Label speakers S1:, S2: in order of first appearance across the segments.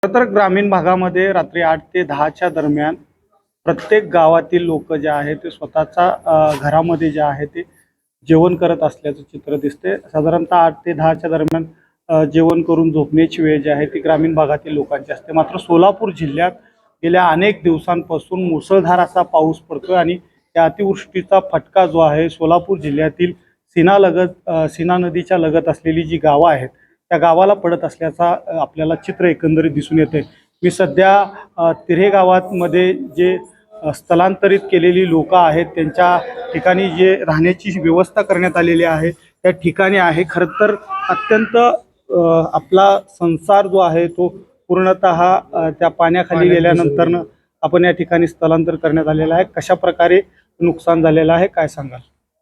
S1: खरं तर ग्रामीण भागामध्ये रात्री 8 ते 10च्या दरम्यान प्रत्येक गावातील लोक जे आहे ते स्वतःचा घरामध्ये जे आहे ते जेवण करत असल्याचं चित्र दिसते. साधारणतः 8 ते 10च्या दरम्यान जेवण करून झोपण्याची वेळ जी आहे ती ग्रामीण भागातील लोकांची असते. मात्र सोलापूर जिल्ह्यात गेल्या अनेक दिवसांपासून मुसळधार असा पाऊस पडतोय आणि त्या अतिवृष्टीचा फटका जो आहे सोलापूर जिल्ह्यातील सीना नदीच्या लगत असलेली जी गावं आहेत त्या गावाला पडत असल्याचा आपल्याला चित्र एकंदरीत दिसून येते. मी सध्या तिऱ्हे गावामध्ये जे स्थलांतरित केलेली लोक आहेत त्यांच्या ठिकाणी जे राहण्याची व्यवस्था करण्यात आलेली आहे त्या ठिकाणी आहे. खरं तर अत्यंत आपला संसार जो आहे तो पूर्णतः त्या पाण्याखाली गेल्यानंतर आपण या ठिकाणी स्थलांतर करण्यात आलेलं आहे. कशा प्रकारे नुकसान झालेलं आहे काय सांगाल?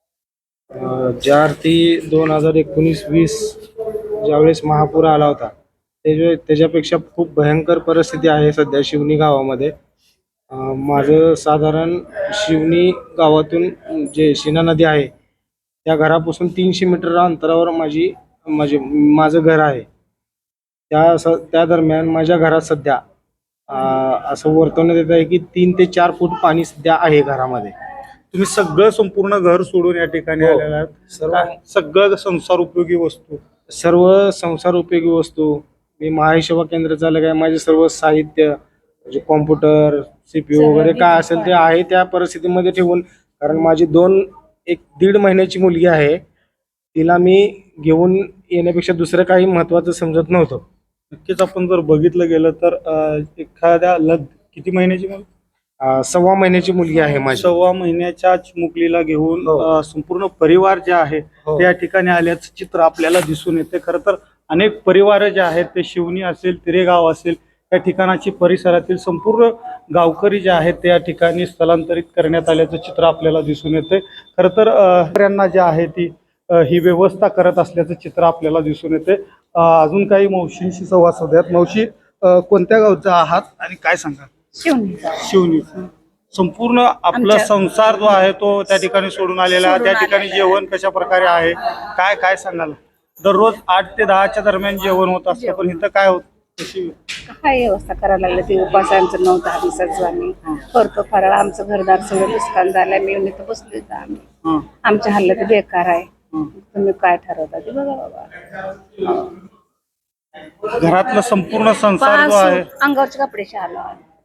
S2: 4 ते 2019-20 ज्यावेळेस महापूर आला होता त्याच्यापेक्षा खूप भयंकर परिस्थिती आहे सध्या शिवनी गावामध्ये. माझं साधारण शिवनी गावातून जे शिना नदी आहे त्या घरापासून 300 मीटर अंतरावर माझं घर आहे. त्या दरम्यान माझ्या घरात सध्या असं वर्तवण्यात येत आहे की 3 ते 4 फूट पाणी सध्या आहे घरामध्ये.
S1: तुम्ही सगळं संपूर्ण घर सोडून या ठिकाणी आलेला आहात. सगळं संसार उपयोगी वस्तू
S2: सर्व संसार उपयोगी वस्तू मी महाई सेवा केंद्र चालक आहे. माझे सर्व साहित्य म्हणजे कॉम्प्युटर CPU वगैरे काय असेल ते आहे त्या परिस्थितीमध्ये ठेवून, कारण माझी 1.5 महिन्याची मुलगी आहे, तिला मी घेऊन येण्यापेक्षा दुसरं काही महत्वाचं समजत नव्हतं.
S1: नक्कीच आपण जर बघितलं गेलं तर एखाद्या किती महिन्याची मुलगी?
S2: 1.25 महिन्याची मुलगी आहे माझी.
S1: 1.25 महिन्याच्या मुलीला घेऊन संपूर्ण परिवार जे आहे ते या ठिकाणी आल्याचं चित्र आपल्याला दिसून येते. खरं तर अनेक परिवार जे आहेत ते शिवनी असेल तिरेगाव असेल त्या ठिकाणाची परिसरातील संपूर्ण गावकरी जे आहेत ते या ठिकाणी स्थलांतरित करण्यात आल्याचं चित्र आपल्याला दिसून येते. खरं तर यांना जे आहे ती ही व्यवस्था करत असल्याचं चित्र आपल्याला दिसून येते. अजून काही मावशींशी संवाद साधूयात. मावशी, कोणत्या गावचा आहात आणि काय सांगा? शिवनी. संपूर्ण आपला संसार जो आहे तो त्या ठिकाणी सोडून आलेला आहे. त्या ठिकाणी जेवण कशा प्रकारे आहे काय काय सांगाल? दररोज 8 ते 10च्या दरम्यान जेवण होत असतं, पण इथं काय होत?
S3: काय व्यवस्था करायला लागलं ते उपास आमचं 9-10 दिवसाचं आम्ही करतो फराळ. आमचं घरदार सगळं नुकसान झालंय. मी इथं बसले तर आम्ही आमच्या हालत बेकार आहे. तुम्ही काय ठरवता ते बघा बाबा.
S1: घरातलं संपूर्ण संसार जो आहे
S3: अंगावरचे कपडे शालो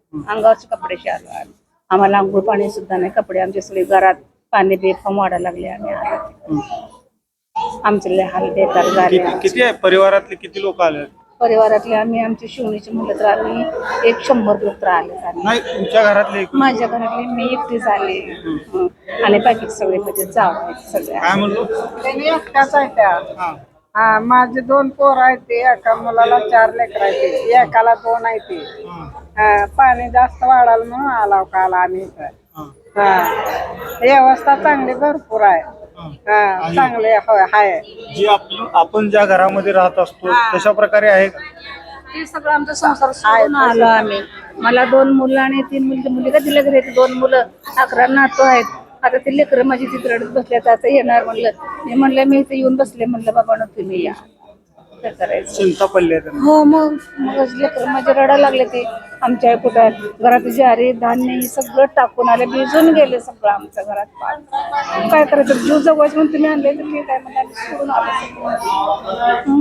S3: आम्हाला आंघोळ पाणी सुद्धा नाही. कपडे आमचे सगळे घरात पाणी बेफाम वाढायला लागले. आम्ही आमचे लय हाल बेकार झाले.
S1: किती आहे परिवारातले किती लोक आले?
S3: परिवारातले आमची शिवणीचे म्हणलं तर आम्ही 100 लोक तर आले.
S1: नाही, तुमच्या घरातले?
S3: माझ्या घरातले मी एकटी झाले आणि बाकी सगळे म्हणजे जाव सगळे.
S1: काय म्हणलो?
S4: एकटाच आहे त्या. हा, माझे 2 पोर आहेत. ते एका मुलाला 4 लेकर आहेत, एकाला 2 आहे. ते पाणी जास्त वाढाल म्हणून आला काल आम्ही इथं. व्यवस्था चांगली भरपूर आहे. चांगले आहे.
S1: जी आपण ज्या घरामध्ये राहत असतो तशा प्रकारे आहे
S3: ते सगळं आमचा संसार सोडून आलो आम्ही. मला 2 मुलं आणि 3 मुली का दिल्या घरी. 2 मुलं 11 नातू आहेत. आता ते लेकरं माझी तिथे रडत बसल्यात. आता येणार म्हणलं. मी म्हणलं मी इथे येऊन बसले. म्हणलं बाबा ना तुम्ही या. काय करायचं?
S1: चिंता पडली?
S3: हो, मग लेकरं माझे रडायला लागले. ते आमच्या कुठं घरात ज्वारी धान्य हे सगळं टाकून आले. भिजून गेले सगळं आमच्या घरात. काय करायचं? जीव जगवायचं म्हणून तुम्ही आणले तर ठीक आहे म्हणलं. सोडून आलो.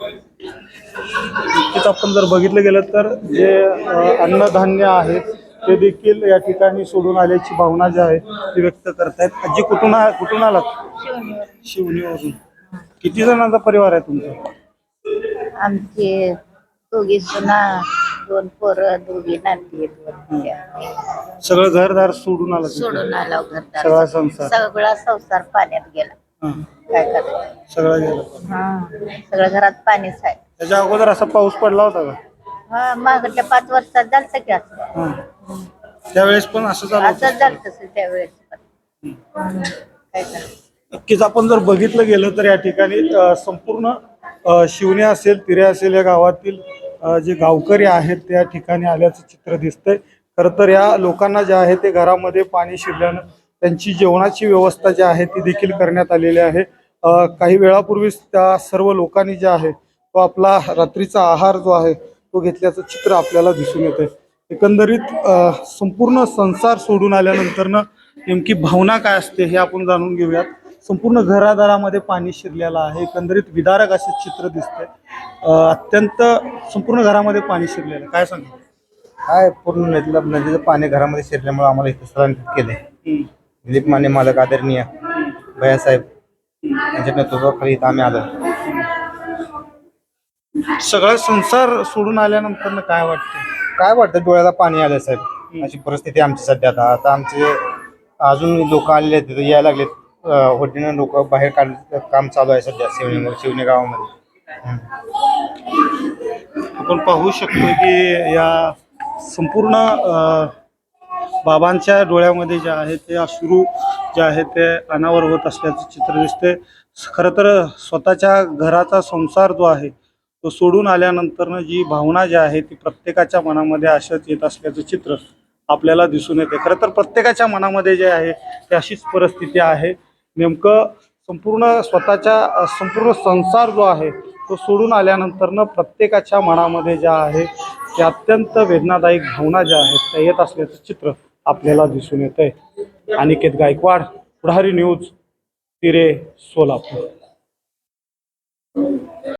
S1: आपण जर बघितलं गेलं तर जे अन्नधान्य आहे ते देखील या ठिकाणी सोडून आल्याची भावना जी आहे ती व्यक्त करतायत. आजी, कुठून आलात? शिवनीवरून. किती जणांचा परिवार आहे तुमचा?
S5: आमचे 2 सुना, 2 पोरं, 2 नाती.
S1: सगळं घरदार सोडून आलं?
S5: सोडून आला घरदार.
S1: सगळा संसार?
S5: सगळा संसार पाण्यात गेला. काय करायचं?
S1: सगळं गेलं?
S5: सगळं घरात पाणीच आहे.
S1: त्याच्या अगोदर असा पाऊस पडला होता का?
S5: मागच्या 5 वर्षात झालं की असं.
S1: त्यावेळेस पण असं झालं?
S5: असंच झालं तसं त्यावेळेस पण. काय करायचं?
S1: नक्कीच आपण जर बघितलं गेलं तर या ठिकाणी संपूर्ण शिवणी असेल तिरे असेल या गावातील जे गावकरी आहेत त्या ठिकाणी आल्याचं चित्र दिसतंय. खरं तर या लोकांना जे आहे ते घरामध्ये पाणी शिरल्यानं त्यांची जेवणाची व्यवस्था जी आहे ती देखील करण्यात आलेली आहे. काही वेळापूर्वीच त्या सर्व लोकांनी जे आहे तो आपला रात्रीचा आहार जो आहे तो घेतल्याचं चित्र आपल्याला दिसून येतंय. एकंदरीत संपूर्ण संसार सोडून आल्यानंतरनं नेमकी भावना काय असते हे आपण जाणून घेऊयात. संपूर्ण घरादारामध्ये पाणी शिरलेलं आहे. एकंदरीत विदारक असे चित्र दिसतंय. अत्यंत संपूर्ण घरामध्ये पाणी शिरलेलं, काय सांगा?
S6: काय पूर्ण नदीचं पाणी घरामध्ये शिरल्यामुळे आम्हाला इथं स्थलांतरित केले. दिलीप माने मालक आदरणीय भैयासाहेब यांच्या नेतृत्वाखाली इथं आम्ही आलो.
S1: सगळा संसार सोडून आल्यानंतर काय वाटतं?
S6: काय वाटतं, डोळ्याला पाणी आलं साहेब. अशी परिस्थिती आमची सध्या. आता आमचे अजून लोक आलेले आहेत, तिथे यायला लागलेत. होडीनं लोक बाहेर काढण्याचं काम चालू आहे सध्या शिवणे गावामध्ये.
S1: आपण पाहू शकतो की या संपूर्ण बाबांच्या डोळ्यामध्ये जे आहे ते अश्रू जे आहे ते अनावर होत असल्याचं चित्र दिसते. खरं तर स्वतःच्या घराचा संसार जो आहे तो सोडून आल्यानंतर जी भावना जी आहे ती प्रत्येकाच्या मनामध्ये अशाच येत असल्याचं चित्र आपल्याला दिसून येते. खरं तर प्रत्येकाच्या मनामध्ये जे आहे ते अशीच परिस्थिती आहे. नेमकं स्वतःच्या संपूर्ण संसार जो आहे तो सोडून आल्यानंतरनं प्रत्येकाच्या मनामध्ये ज्या आहे ते अत्यंत वेदनादायक भावना ज्या आहेत त्या येत असल्याचं चित्र आपल्याला दिसून येतंय. अनिकेत गायकवाड, पुढारी न्यूज, तिरे, सोलापूर.